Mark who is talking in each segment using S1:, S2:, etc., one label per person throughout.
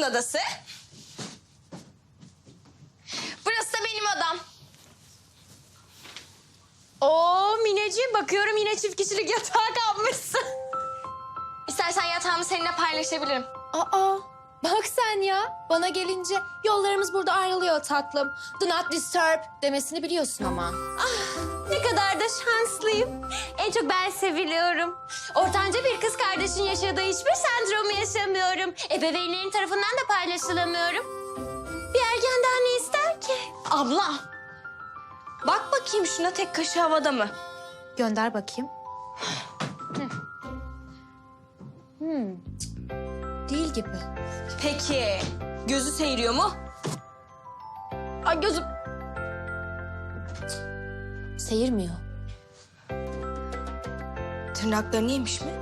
S1: babamın odası. Burası da benim odam. Oo Mineciğim, bakıyorum yine çift kişilik yatağa kalmışsın. İstersen yatağımı seninle paylaşabilirim.
S2: Aa, bak sen ya. Bana gelince yollarımız burada ayrılıyor tatlım. Do not disturb demesini biliyorsun ama.
S1: Ne kadar da şanslıyım. En çok ben seviliyorum. Ortanca bir kız kardeşin yaşadığı hiçbir sendromu yaşamıyorum. Ebeveynlerin tarafından da paylaşılamıyorum. Bir ergen daha ne ister ki? Abla, bak bakayım şuna, tek kaşı havada mı?
S2: Gönder bakayım. Değil gibi.
S1: Peki, gözü seyiriyor mu? Ay gözüm.
S2: Seyirmiyor.
S1: Tırnaklarını yemiş mi?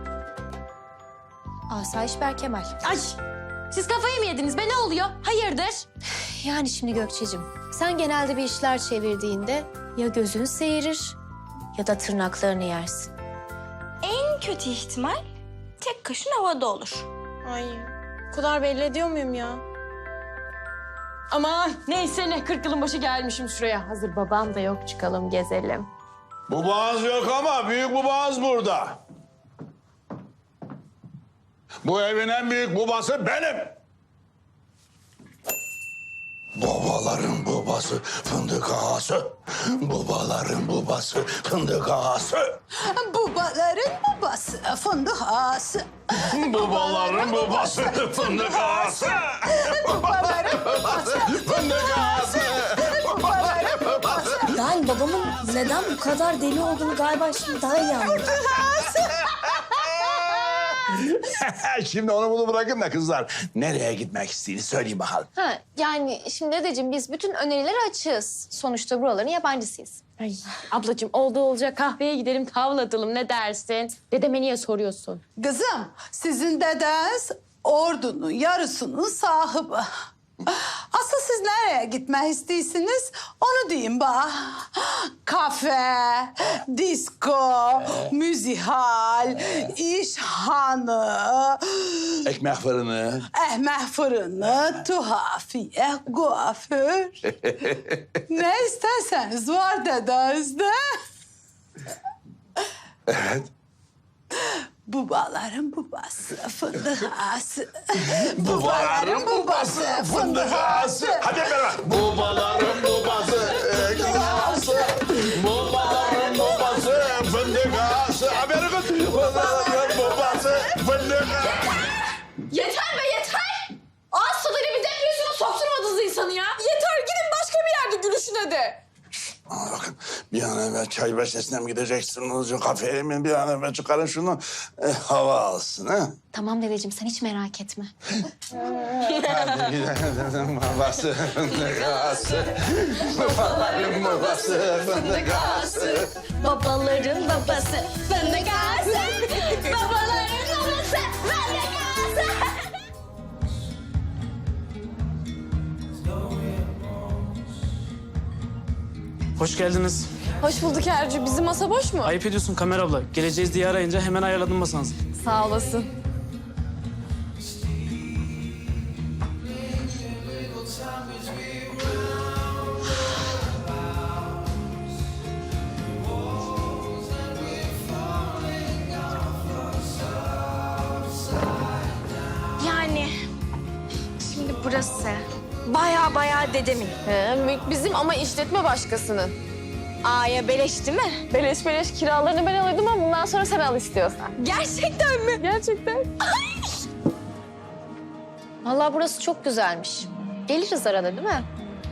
S2: Asayiş Berkemal.
S1: Ay, siz kafayı mı yediniz be, ne oluyor? Hayırdır?
S2: Yani şimdi Gökçe'cim, sen genelde bir işler çevirdiğinde ya gözün seyirir ya da tırnaklarını yersin.
S1: En kötü ihtimal tek kaşın havada olur.
S3: Ay, o kadar belli ediyor muyum ya? Aman neyse ne, 40 yılın başı gelmişim şuraya. Hazır babam da yok, çıkalım gezelim.
S4: Babağız yok ama büyük babağız burada. Bu evin en büyük babası benim. Babaların babası fındık ağası. Babaların babası fındık ağası.
S5: Babaların babası fındık ağası.
S4: Babaların babası fındık ağası. Babaların babası fındık ağası. Babaların babası.
S6: Ben babamın neden bu kadar deli olduğunu galiba şimdi daha iyi anladım.
S4: Şimdi onu bunu bırakın da kızlar. Nereye gitmek istediğini söyleyin bakalım.
S2: Ha, yani şimdi dedeciğim biz bütün önerilere açığız. Sonuçta buraların yabancısıyız.
S3: Ay ablacığım, oldu olacak kahveye gidelim, tavla atalım, ne dersin? Dedeme niye soruyorsun?
S5: Kızım, sizin dedeniz ordunun yarısının sahibi. Asıl siz nereye gitmek istiyorsunuz? Onu diyeyim bak. Kafe, disko, müzihal, işhanı,
S4: Ekmek fırını.
S5: ekmek fırını, tuhafiye, kuaför. Ne isterseniz var dedenizde.
S4: Evet.
S5: Babaların babası fındık ağası.
S4: Babaların babası fındık ağası. Hadi beraber. Babaların babası ekmek ağası. Babaların babası fındık ağası. Haberin kız. Babaların babası fındık ağası.
S3: Yeter be yeter! Ağız tadıyla bir depresyona sokturmadınız insanı ya. Yeter, gidin başka bir yerde gülüşüne de.
S4: Aa, bakın bir an evvel çay bahçesine mi gideceksiniz? Kafeye mi? Bir an evvel çıkarın şunu. Hava alsın ha.
S2: Tamam dedeciğim sen hiç merak etme.
S4: Hadi gidelim babası fındık ağası. Babaların babası fındık ağası.
S1: Babaların babası fındık ağası. Babaların babası fındık ağası.
S7: Hoş geldiniz.
S3: Hoş bulduk Ercü. Bizim masa boş mu?
S7: Ayıp ediyorsun Kamer abla. Geleceğiz diye arayınca hemen ayarladım masanızı.
S3: Sağ olasın.
S1: Yani şimdi burası baya dedemin.
S3: Mülk bizim ama işletme başkasının.
S1: Aya beleş değil mi?
S3: Beleş beleş kiralarını ben alıyordum ama bundan sonra sen al istiyorsan.
S1: Gerçekten mi?
S3: Gerçekten.
S2: Vallahi burası çok güzelmiş. Geliriz arada değil mi?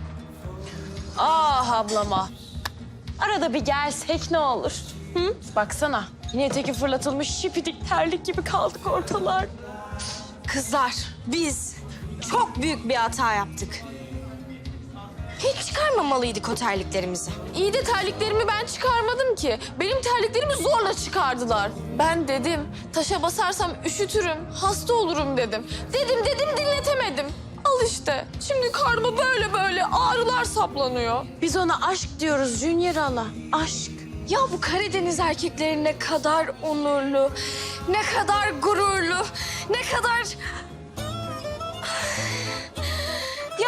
S3: Ah ablama. Arada bir gelsek ne olur? Hı? Baksana. Yine teki fırlatılmış şipidik terlik gibi kaldık ortalar.
S1: Kızlar, biz çok büyük bir hata yaptık. Hiç çıkarmamalıydık o terliklerimizi.
S3: İyi de terliklerimi ben çıkarmadım ki. Benim terliklerimi zorla çıkardılar. Ben dedim taşa basarsam üşütürüm, hasta olurum dedim. Dedim dinletemedim. Al işte. Şimdi karnıma böyle ağrılar saplanıyor. Biz ona aşk diyoruz Junior Hala. Aşk.
S1: Ya bu Karadeniz erkekleri ne kadar onurlu, ne kadar gururlu, ne kadar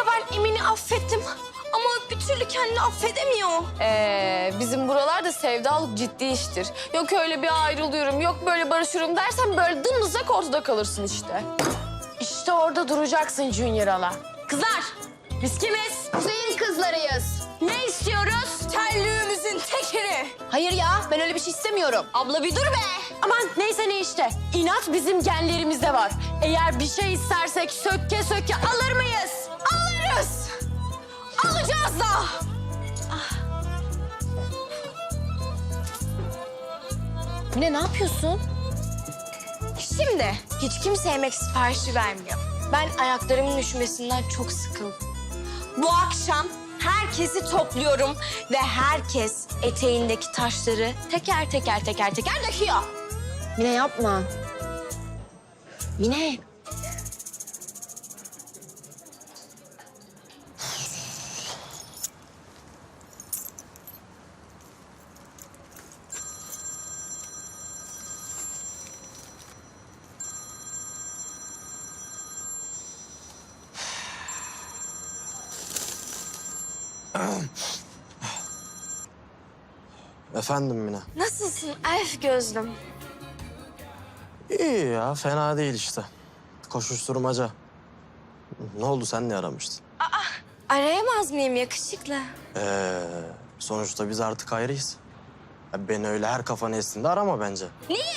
S6: ben Emin'i affettim. Ama bir türlü kendini affedemiyor.
S3: Bizim buralarda sevdalık ciddi iştir. Yok öyle bir ayrılıyorum, yok böyle barışıyorum dersen böyle dımdızlak ortada kalırsın işte. İşte orada duracaksın Junior Ala.
S1: Kızlar, biz kimiz?
S2: Kuzey'in kızlarıyız.
S1: Ne istiyoruz?
S6: Terlüğümüzün tekeri.
S2: Hayır ya, ben öyle bir şey istemiyorum.
S1: Abla bir dur be.
S3: Aman neyse ne işte. İnat bizim genlerimizde var. Eğer bir şey istersek sökke sökke alır mıyız? Alırız. Alacağız da.
S2: Mine ne yapıyorsun?
S6: Şimdi hiç kimse yemek siparişi vermiyor. Ben ayaklarımın üşümesinden çok sıkıldım. Bu akşam herkesi topluyorum ve herkes eteğindeki taşları teker teker döküyor.
S2: Mine yapma. Mine.
S8: Efendim Mine.
S6: Nasılsın elf gözlüm?
S8: İyi ya, fena değil işte. Koşuşturmaca. Ne oldu, sen ne aramıştın?
S6: Arayamaz mıyım yakışıklı?
S8: Sonuçta biz artık ayrıyız. Ya beni öyle her kafana estiğinde arama bence.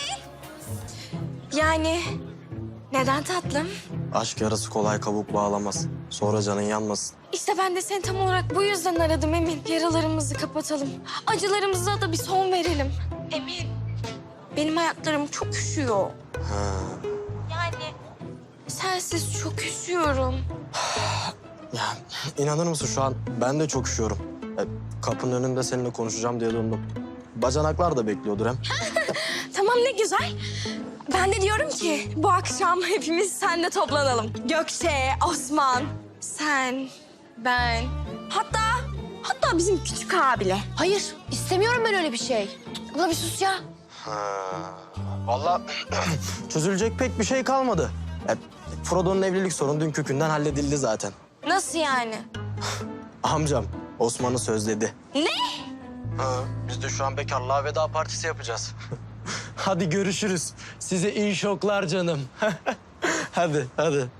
S6: Yani neden tatlım?
S8: Aşk yarası kolay kabuk bağlamaz. Sonra canın yanmasın.
S6: İşte ben de seni tam olarak bu yüzden aradım Emin. Yaralarımızı kapatalım. Acılarımıza da bir son verelim. Emin, benim ayaklarım çok üşüyor. Yani sensiz çok üşüyorum.
S8: Ya inanır mısın, şu an ben de çok üşüyorum. Kapının önünde seninle konuşacağım diye döndüm. Bacanaklar da bekliyordur hem.
S6: Tamam ne güzel. Ben de diyorum ki bu akşam hepimiz sende toplanalım. Gökçe, Osman, sen, ben. Hatta bizim küçük abile.
S2: Hayır, istemiyorum ben öyle bir şey. Abla bir sus ya.
S8: Vallahi çözülecek pek bir şey kalmadı. Frodo'nun evlilik sorunu dün kökünden halledildi zaten.
S6: Nasıl yani?
S8: Amcam Osman'ı sözledi.
S6: Ne?
S8: Biz de şu an bekarlığa veda partisi yapacağız. Hadi görüşürüz. Size iyi şoklar canım. hadi.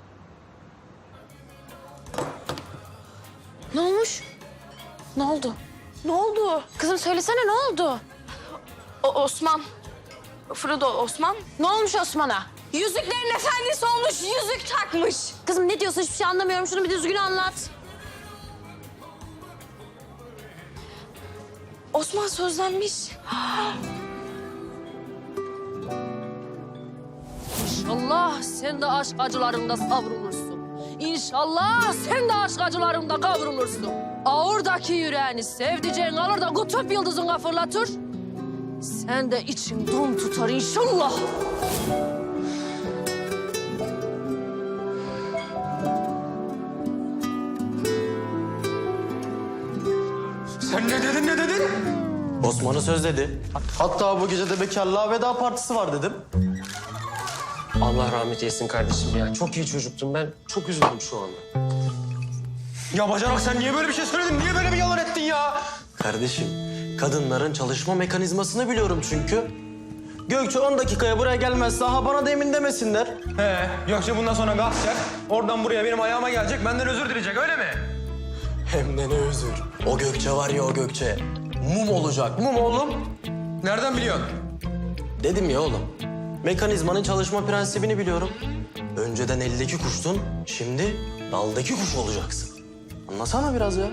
S2: Ne olmuş?
S3: Ne oldu? Ne oldu?
S2: Kızım söylesene ne oldu?
S3: Osman. Frodo Osman.
S2: Ne olmuş Osman'a?
S6: Yüzüklerin efendisi olmuş, yüzük takmış.
S2: Kızım ne diyorsun, hiçbir şey anlamıyorum. Şunu bir düzgün anlat.
S6: Osman sözlenmiş.
S9: İnşallah sen de aşk acılarında savrulursun. İnşallah sen de aşk acılarında kavrulursun. Ağırdaki yüreğini sevdiceğin alır da kutup yıldızına fırlatır. Sen de için dum tutar inşallah.
S10: Sen ne dedin?
S8: Osman'ı sözledi. Hatta bu gece de bekarlığa veda partisi var dedim.
S10: Allah rahmet eylesin kardeşim ya. Çok iyi çocuktum ben. Çok üzüldüm şu anda. Ya Bacanak, sen niye böyle bir şey söyledin? Niye böyle bir yalan ettin ya?
S8: Kardeşim, kadınların çalışma mekanizmasını biliyorum çünkü. Gökçe 10 dakikaya buraya gelmezse ha bana da emin demesinler.
S10: Yoksa bundan sonra kalkacak. Oradan buraya benim ayağıma gelecek. Benden özür dileyecek, öyle mi?
S8: Hem de ne özür. O Gökçe var ya, o Gökçe. Mum olacak, mum oğlum.
S10: Nereden biliyorsun?
S8: Dedim ya oğlum. Mekanizmanın çalışma prensibini biliyorum. Önceden eldeki kuştun, şimdi daldaki kuş olacaksın. Anlasana biraz ya.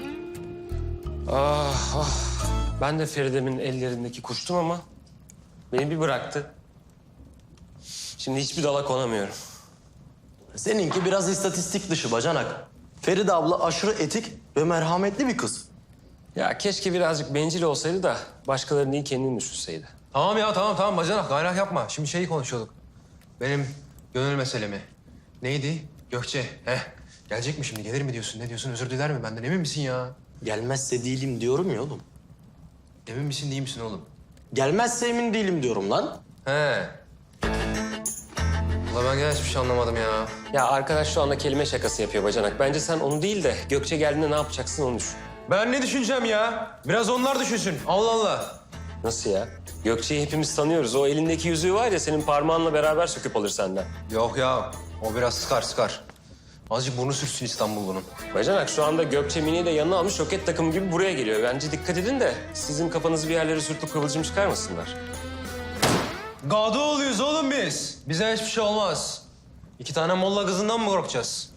S10: Ah. Ben de Feride'min ellerindeki kuştum ama beni bir bıraktı. Şimdi hiçbir dala konamıyorum.
S8: Seninki biraz istatistik dışı bacanak. Feride abla aşırı etik ve merhametli bir kız.
S10: Ya keşke birazcık bencil olsaydı da başkalarının değil kendini düşünseydi.
S11: Tamam ya, tamam Bacanak, gayret yapma. Şimdi şeyi konuşuyorduk. Benim gönül meselemi. Neydi? Gökçe. Gelecek mi şimdi? Gelir mi diyorsun? Ne diyorsun? Özür diler mi benden? Emin misin ya?
S8: Gelmezse değilim diyorum ya oğlum.
S11: Emin misin, değil misin oğlum?
S8: Gelmezse emin değilim diyorum lan.
S11: He. Vallahi ben gene hiçbir şey anlamadım ya.
S10: Ya arkadaş şu anda kelime şakası yapıyor bacanak. Bence sen onu değil de Gökçe geldiğinde ne yapacaksın onu düşün.
S11: Ben ne düşüneceğim ya? Biraz onlar düşünsün. Allah Allah.
S10: Nasıl ya? Gökçe'yi hepimiz tanıyoruz. O elindeki yüzüğü var ya senin parmağınla beraber söküp alır senden.
S11: Yok ya. O biraz sıkar. Azıcık burnu sürtsün İstanbullu'nun.
S10: Bacanak şu anda Gökçe Mine'yi de yanına almış roket takımı gibi buraya geliyor. Bence dikkat edin de sizin kafanızı bir yerlere sürtüp kıvılcım çıkarmasınlar.
S11: Gado oluyoruz oğlum biz. Bize hiçbir şey olmaz. 2 tane molla kızından mı korkacağız?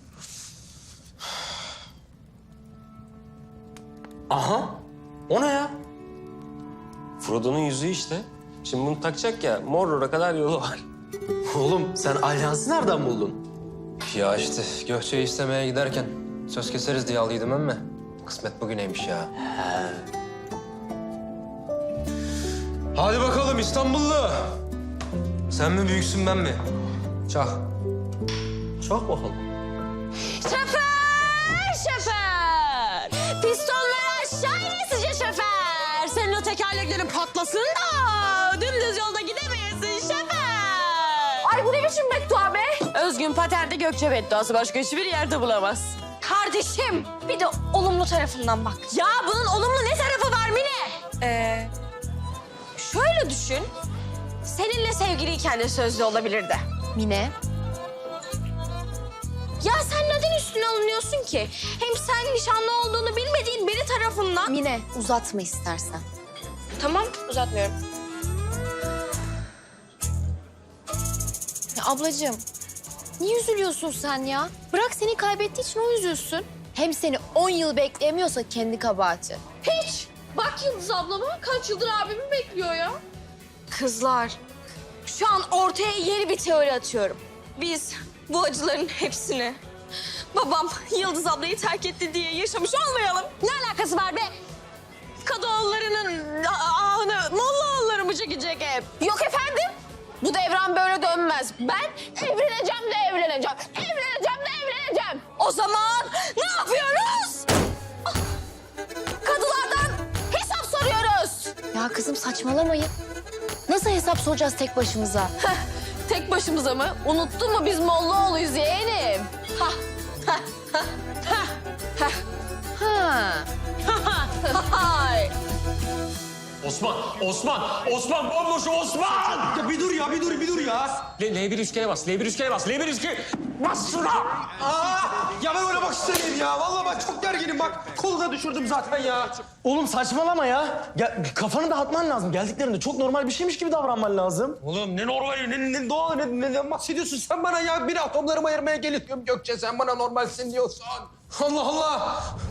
S10: Aha! O ne ya? Frodo'nun yüzüğü işte. Şimdi bunu takacak ya, Mordor'a kadar yolu var.
S8: Oğlum sen alyansı nereden buldun?
S11: Ya işte Gökçe'yi istemeye giderken söz keseriz diye aldıydım ama kısmet bugüneymiş ya. Hadi bakalım İstanbullu. Sen mi büyüksün ben mi? Çak.
S8: Çok bakalım.
S1: Şoför! Pistonları aşağı inesince şoför! Senin o tekerleklerin patlasın da dümdüz yolda gidemeyesin şoför!
S3: Ay bu ne biçim beddua be?
S1: Özgün paterde Gökçe bedduası başka hiçbir yerde bulamaz.
S6: Kardeşim bir de olumlu tarafından bak.
S1: Ya bunun olumlu ne tarafı var Mine?
S6: Şöyle düşün. Seninle sevgiliyken de sözlü olabilirdi.
S2: Mine,
S6: Ya sen neden üstüne alınıyorsun ki? Hem sen nişanlı olduğunu bilmediğin biri tarafından...
S2: Mine uzatma istersen.
S6: Tamam, uzatmıyorum.
S2: Ya ablacığım, niye üzülüyorsun sen ya? Bırak seni kaybettiği için o üzülsün. Hem seni 10 yıl bekleyemiyorsa kendi kabahati.
S3: Hiç. Bak Yıldız ablama kaç yıldır abimi bekliyor ya.
S6: Kızlar, şu an ortaya yeni bir teori atıyorum. Biz bu acıların hepsini babam Yıldız ablayı terk etti diye yaşamış olmayalım.
S1: Ne alakası var be? Kadıoğullarının ahını Mollaoğulları mı çekecek hep?
S3: Yok efendim. Bu devran böyle dönmez. Ben evleneceğim de evleneceğim. Evleneceğim de evleneceğim.
S6: O zaman ne yapıyoruz?
S3: Kadılardan hesap soruyoruz.
S2: Ya kızım saçmalamayın. Nasıl hesap soracağız tek başımıza?
S3: Tek başımıza mı? Unuttun mu biz Mollaoğlu'yuz yeğenim?
S2: Ha.
S3: Hay.
S10: Osman, bomboş Osman!
S8: Ya bir dur ya.
S10: L1 üçgene bas, L1 üçgene bas, L1 üçgene... Bas şuna!
S11: Ya ben oynamak istemiyorum ya. Vallahi bak çok gerginim bak. Kolu da düşürdüm zaten ya.
S8: Oğlum saçmalama ya. Kafanı dağıtman lazım. Geldiklerinde çok normal bir şeymiş gibi davranman lazım.
S11: Oğlum ne normali, ne doğal, neden bahsediyorsun sen bana ya? Bir atomlarımı ayırmaya geliyorum Gökçe. Sen bana normalsin diyorsun. Allah Allah.